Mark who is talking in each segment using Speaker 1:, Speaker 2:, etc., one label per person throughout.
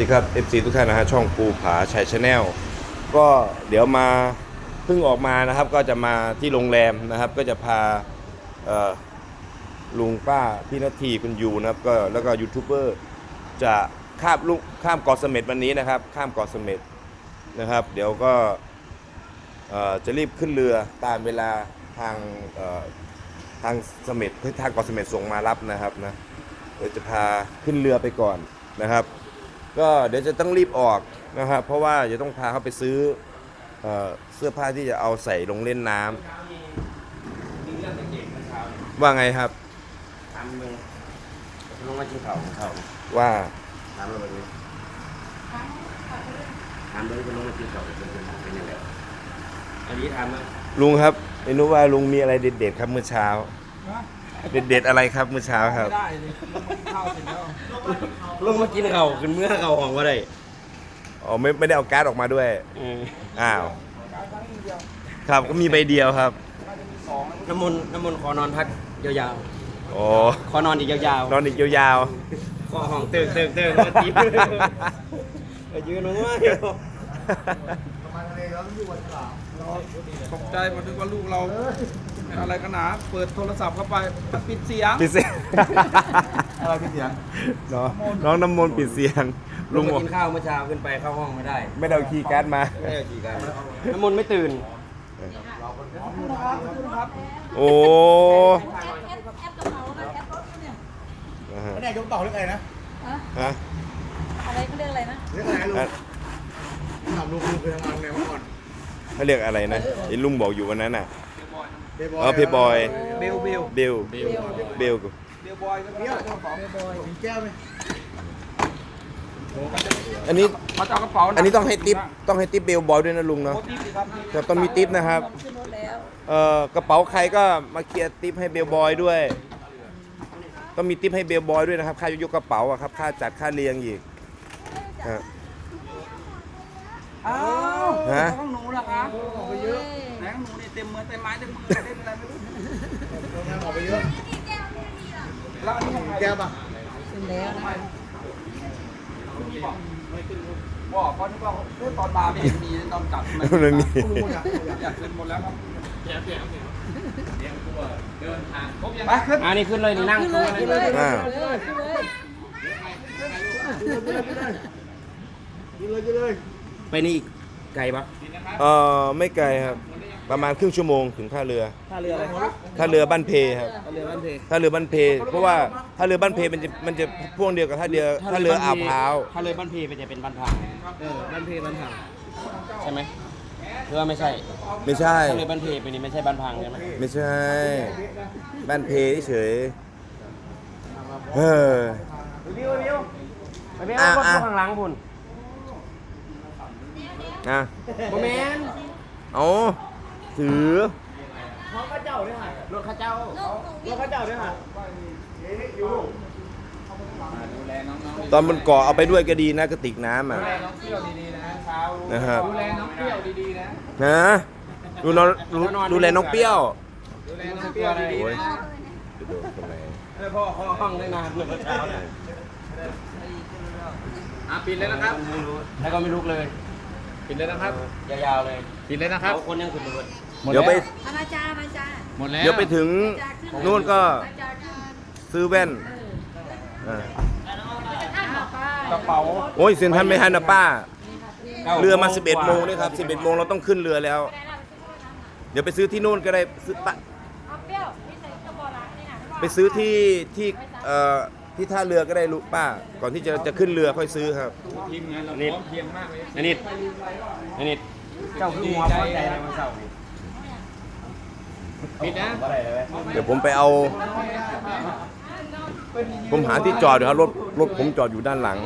Speaker 1: ดีครับ FC ทุกท่านนะฮะช่องภูผาชัยชาแนลก็เดี๋ยวมาเพิ่งออกมานะครับก็จะมาที่โรงแรมนะครับก็จะพาลุงป้าพี่นาทีคุณยูนะครับก็แล้วก็ยูทูบเบอร์จะข้ามเกาะเสม็ดวันนี้นะครับข้ามเกาะเสม็ดนะครับเดี๋ยวก็จะรีบขึ้นเรือตามเวลาทางเสม็ดทางเกาะเสม็ดส่งมารับนะครับนะเดี๋ยวจะพาขึ้นเรือไปก่อนนะครับก็เดี๋ยวจะต้องรีบออกนะครับเพราะว่าจะต้องพาเขาไปซื้อเสื้อผ้าที่จะเอาใส่ลงเล่นน้ำว่าไงครับ
Speaker 2: ทำมึงลงมากินเขาของเขา
Speaker 1: ว่า
Speaker 2: ทำอะไรนี้ทำเลยจะลงมากินเขาเป็นยังไงอันนี้ทำไหม
Speaker 1: ลุงครับไม่รู้ว่าลุงมีอะไรเด็ดๆครับเมื่อเช้าเด็ดๆอะไรครับเมื่อเช้าครับ
Speaker 3: ไม่ได้เลยข้าวเสร็จแล้ว
Speaker 2: ลงมากินเขาขึ้นเมื่อเขาของว่าไร
Speaker 1: อ๋อไม่ได้เอาการ์ดออกมาด้วยอ้าวครับก็มีใบเดียวครับ
Speaker 2: น้ำมนต์ขอนอนพักยาว
Speaker 1: ๆอ๋อ
Speaker 2: ขอนอนอีกยาว
Speaker 1: ๆนอนอีกยาว
Speaker 2: ๆขอห้องเติมมาตียืนลงมา
Speaker 3: ตกใจมาถึงว่าลูกเราอะไรกันหนาเปิดโทรศัพท์เข้าไปปิดเสียงอะไรปิดเสียง
Speaker 1: น้องน้ำมนต์ปิดเสียง
Speaker 2: ลุงกินข้าวเมื่อเช้าขึ้นไปเข้าห้องไม่ได้
Speaker 1: ไม่ได้เอาคีย์การ์ดมา
Speaker 2: ไม่ได้คีย์การ์ดน้ำมนต์ไม่ตื่น
Speaker 1: โอ้
Speaker 3: ไม่ได้ยกต่อเรื่องอะไรนะ
Speaker 1: ฮะ
Speaker 4: อะไรเขาเรียกอะไรนะ
Speaker 3: เรื่องอะไรลุงถามลุงเคยทำงานไงเมื่อก่อน
Speaker 1: เขาเรียกอะไรนะไอ้ลุงบอกอยู่วันนั้นน่ะเพย์บอย
Speaker 3: เบล
Speaker 1: บอย
Speaker 3: เบลบอยมีแก้วไหม
Speaker 1: อันนี้
Speaker 3: มาจากกระเป๋า
Speaker 1: อันนี้ต้องให้ทิปเบลบอยด้วยนะลุงเนาะครับต้องมีทิปนะครับกระเป๋าใครก็มาเคลียร์ทิปให้เบลบอยด้วยต้องมีทิปให้เบลบอยด้วยนะครับค่ายกกระเป๋าอะครับค่าจัดค่าเลี้ยงอีก
Speaker 3: อ้าวต้องหนูเหรอคะออกไปเยอะแหนงหนูนี่เต็มมือเต็มไม้เต็มมือเต็มอะไรไม่รู้ออกไปเยอะแล้วอันนี้ของแก้วป่ะ
Speaker 4: ขึ้นแล้วนะ
Speaker 3: บอกเขาที่ว่าตอนมาไม่เห็นมีตอนกลับ
Speaker 1: มันมี
Speaker 3: อยากขึ้นหมดแล้วครับเดี๋ยวเดินทางครบยัง
Speaker 2: ไปขึ้นอันนี้ขึ้นเลยนี่นั่ง
Speaker 4: ขึ้นเลย
Speaker 2: ไปนี่ไกลปะ
Speaker 1: ไม่ไกลครับประมาณครึ่งชั่วโมงถึงท่าเรือ
Speaker 2: อะไร
Speaker 1: ท่าเรือบ้านเพครับ
Speaker 2: ท่าเรือบ้าน
Speaker 1: เพเพราะว่าท่าเรือบ้านเพมันจะพ่วงเดียวกับท่าเรืออ่าวพร้าว
Speaker 2: ท่าเรือบ้านเพมันจะเป็นบ้านพังบ้านเพบ้านพังใช่ไหมหรือว่าไม่ใช่ท่าเรือบ้านเพเป็นนี่ไม่ใช่บ้านพังใช่ไหม
Speaker 1: ไม่ใช่บ้านเพเฉย
Speaker 2: ไปไม่เอารถข้างหลังคุณโมเมนต์
Speaker 1: เอาถือ
Speaker 2: รถข้าเจ้าด้วยค่ะ
Speaker 1: ตอนบนเกาะเอาไปด้วยก็ดีนะกระติกน้ำอ่ะ
Speaker 3: ดูแลน้องเปรี้ยวดีๆนะเช้า
Speaker 1: นะครับ
Speaker 3: ดูแลน้องเปรี้ยวดีๆ
Speaker 1: นะดูแลน้องเปรี้ยว
Speaker 3: ดีๆนะ
Speaker 1: จะโดนทำไม
Speaker 2: พ่อห้องได้นานเมื่อเช้าเนี่ย
Speaker 3: ปิดเลยนะครับ
Speaker 2: แล้วก็ไม่ลุกเลย
Speaker 3: ปิดเลยนะครับ
Speaker 2: ยาวๆเลย
Speaker 3: ปิดเลยนะครับ
Speaker 2: คนยังขึ้นเลย
Speaker 1: เดี๋ยวไป
Speaker 4: มาจ้า
Speaker 3: หมดแล้ว
Speaker 1: เดี๋ยวไปถึงนู่นก็ซื้อแว่น
Speaker 3: กระเป๋า
Speaker 1: โอ้ยเซ็นทรัลไม่ทันนะป้าเรือมา11 โมงนี่ครับ11 โมงเราต้องขึ้นเรือแล้วเดี๋ยวไปซื้อที่นู่นก็ได้ซื้อปะไปซื้อที่ท่าเรือก็ได้ลูกป้าก่อนที่จะขึ้นเรือค่อยซื้อครับ
Speaker 3: ทีมงานเราเพียงมากเลย
Speaker 2: นิดเจ้าคือหัวใจในวันเสาร์
Speaker 3: ปิดนะ
Speaker 1: เดี๋ยวผมไปเอาผมหาที่จอดอยู่ครับรถผมจอดอยู่ด้านหลัง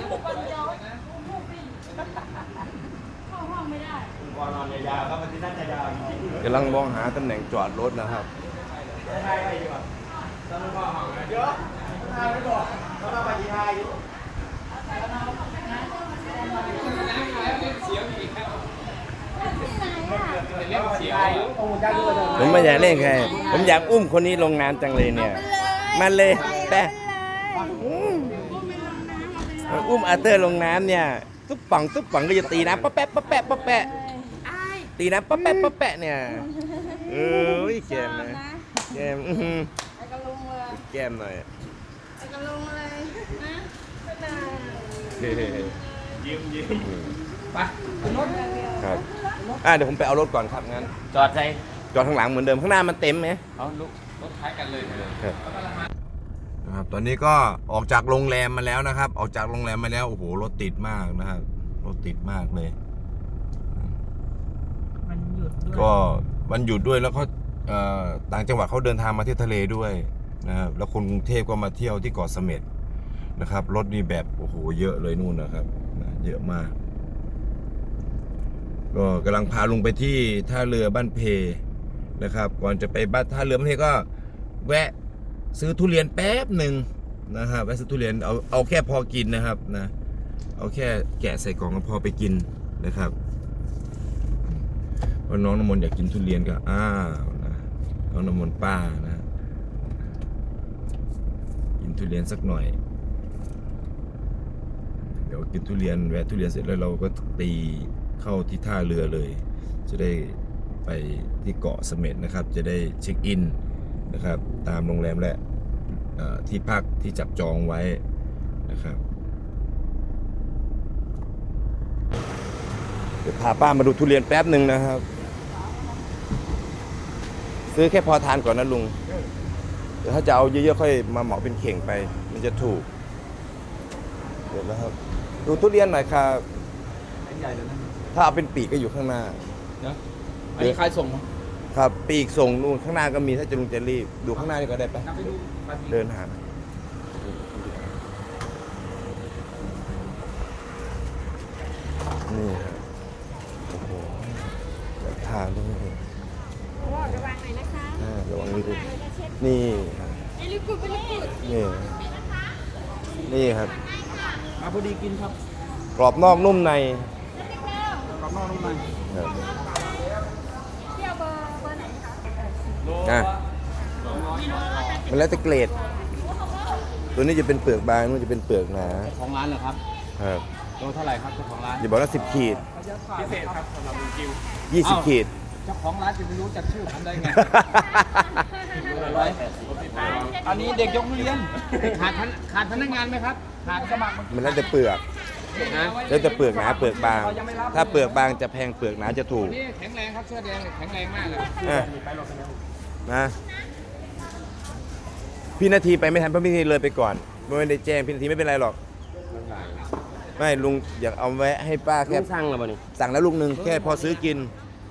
Speaker 1: กำลังมองหาตำแหน่งจอดรถนะครับผมไม่อยากเล่นใครผมอยากอุ้มคนนี้ลงน้ำจังเลยเนี่ยมันเลยแต่อุ้มอาเตอร์ลงน้ำเนี่ยตุ๊บป่องก็จะตีน้ำป๊ะแปะป๊ะแปะป๊ะแปะตีน้ำป๊ะแปะป๊ะแปะเนี่ยเอ้ยแกมนะแกม
Speaker 4: ไปกับลุงเลย
Speaker 1: แกมหน่อย
Speaker 4: ไปกับลุงเลยนะไปไหน
Speaker 3: ไปขึ้นรถ
Speaker 1: ครับเดี๋ยวผมไปเอารถก่อนครับงั้น
Speaker 2: จอดใจ
Speaker 1: จอดข้างหลังเหมือนเดิมข้างหน้ามันเต็มไหม
Speaker 2: เอาลูกรถท้ายกันเลย
Speaker 1: นะครับตอนนี้ก็ออกจากโรงแรมมาแล้วนะครับ ออกจากโรงแรมมาแล้วโอ้โหรถติดมากนะครับรถติดมากเลย
Speaker 4: มันหยุดด้วย
Speaker 1: ก็วันหยุดด้วยแล้วก็ต่างจังหวัดเขาเดินทางมาเที่ยวทะเลด้วยนะครับแล้วคนกรุงเทพก็มาเที่ยวที่เกาะเสม็ดนะครับรถนี่แบบโอ้โหเยอะเลยนู่นนะครับเยอะมากก็กำลังพาลุงไปที่ท่าเรือบ้านเพนะครับก่อนจะไปบ้านท่าเรือบ้านเพก็แวะซื้อทุเรียนแป๊บหนึ่งนะครับแวะซื้อทุเรียนเอาแค่พอกินนะครับนะเอาแค่แกะใส่กล่องก็พอไปกินนะครับเพราะน้องน้ำมนต์อยากกินทุเรียนก็นะน้องน้ำมนต์ป้านะกินทุเรียนสักหน่อยเดี๋ยวกินทุเรียนแวะทุเรียนเสร็จแล้วเราก็ตีเข้าที่ท่าเรือเลย จะได้ไปที่เกาะเสม็ดนะครับจะได้เช็คอินนะครับตามโรงแรมและที่พักที่จับจองไว้นะครับเดี๋ยวพาป้ามาดูทุเรียนแป๊บหนึ่งนะครับซื้อแค่พอทานก่อนนะลุงเดี๋ยวถ้าจะเอาเยอะๆค่อยมาเหมาเป็นเข่งไปมันจะถูกเดี๋ยวแล้วครับดูทุเรียนหน่อยครับ
Speaker 3: ใหญ่เลยนะ
Speaker 1: ถ้าเอาเป็นปีกก็อยู่ข้างหน้า
Speaker 3: เดี๋ยวอันนี้ใครส่ง
Speaker 1: ครับปีกส่งนู่นข้างหน้าก็มีถ้าจะลุงจะรีบดูข้างหน้านี่ก็ได้ไป
Speaker 3: นับไปดูไป
Speaker 1: เดินหานี่ครับโอ้โหแบบทานด้วย
Speaker 4: ระวังหน่อยนะคะ
Speaker 1: ระวังนี่ดูนี่ครับ
Speaker 4: ไอ้ลิกุดเป็นลิกุด
Speaker 1: นี่ครับ
Speaker 3: พอดีกินครับ
Speaker 1: กรอบนอกนุ่มใน
Speaker 3: กรอบนอกนุ่มใน
Speaker 1: ครับ
Speaker 4: เที่ยวเบอร์ไหนคะ
Speaker 1: มันแล้วแต่เกรด ตัวนี้จะเป็นเปลือกบางนู่นจะเป็นเปลือกหนา
Speaker 3: ของร้านเหรอครับ
Speaker 1: ครับ
Speaker 3: โลเท่าไหร่ครับเจ้าของร้าน
Speaker 1: อย่าบอกว่า10 ขีด
Speaker 3: พิเศษครับสำหรับลุงจิว
Speaker 1: 20 ขีด
Speaker 3: เจ้าของร้านจะไม่รู้จักชื่อผมได้ไง อันนี้เด็กยกทุเรียนขาดพนักงานไหมครับขาดสมัคร
Speaker 1: มันแล้วแต่เปลือก
Speaker 3: นะ
Speaker 1: แล้วแต่เปลือกหนาเปลือกบาง ถ้าเปลือกบางจะแพงเปลือกหนาจะถูก
Speaker 3: นี่แข็งแรงครับเสื้อแดงแข็งแรงมากเลย
Speaker 1: อ่ะนะพี่นาทีไปไม่ทันเพราะพี่นาทีเลยไปก่อนไม่ได้แจ้งพี่นาทีไม่เป็นไรหรอก ไม่ลุงอยากเอาแวะให้ป้าแค่
Speaker 2: แค่สั่งแล้วบ่นี่
Speaker 1: สั่งแล้วลูกหนึ่งแค่พอซื้อกิน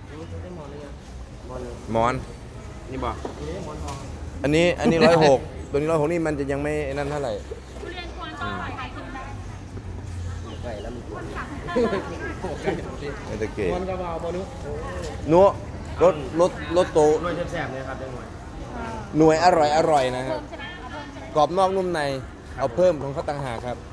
Speaker 1: หมอน
Speaker 2: นี่บ่
Speaker 1: อันนี้106ตัวนี้106นี่มันจะยังไม่นั่นเท่าไหร่
Speaker 4: ทุเรียนกวนก็อร่อยค่ะชิมได้
Speaker 2: ใกล้แล้วมันปวด
Speaker 1: ไม่ตะเกีย
Speaker 3: มันกระเบาบอนุ
Speaker 1: นัวรสโต
Speaker 2: ด้วยแซ่บๆเลยครับจังหวะ
Speaker 1: หน่วยอร่อยนะครับกรอบนอกนุ่มในเอาเพิ่มของเขาต่างหากครับ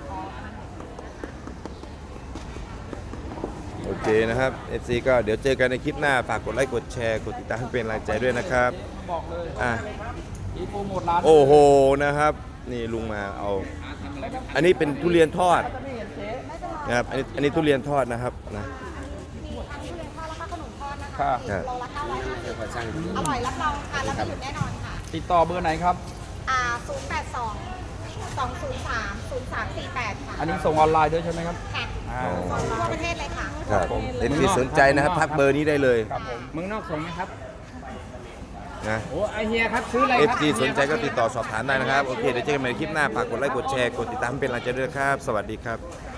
Speaker 1: โอเคนะครับ FC ก็เดี๋ยวเจอกันในคลิปหน้าฝากกดไลค์กดแชร์กดติดตามให้เป็นกำลังใจด้วยนะครับ
Speaker 3: บอกเลย
Speaker 1: อ่ะ
Speaker 3: อีโปรโมทร้าน
Speaker 1: โอ้โหนะครับ นี่ลุงมาเอา อันนี้เป็นทุเรียนทอดนะครับอันนี้ทุเรียนทอดนะครับนะ
Speaker 3: ค่ะ
Speaker 1: ครับ
Speaker 2: เดี๋ยวขอสั่ง
Speaker 5: อร่อยรับรองค่ะแล้วไม่หยุดแน่นอนค่ะ
Speaker 3: ติดต่อเบอร์ไหนครับ
Speaker 5: 082-203-0348 ค่ะ
Speaker 3: อันนี้ส่งออนไลน์ด้วยใช่ไหมครับ
Speaker 5: ค่ะ
Speaker 3: อ่า
Speaker 5: ส่งทั่วประเทศเลยค่ะ
Speaker 1: ครับเอ็นซีสนใจนะครับทักเบอร์นี้ได้เลย
Speaker 3: ครับผมเมืองนอกส่งไหมครับ
Speaker 1: นะ
Speaker 3: โอ้ไอเฮียครับซื้ออะไรครับ
Speaker 1: FC สนใจก็ติดต่อสอบถามได้นะครับ โอเค เดี๋ยวเจอกันใหม่ในคลิปหน้าฝากกดไลค์กดแชร์กดติดตามให้เป็นกำลังใจด้วยนะครับ สวัสดีครับ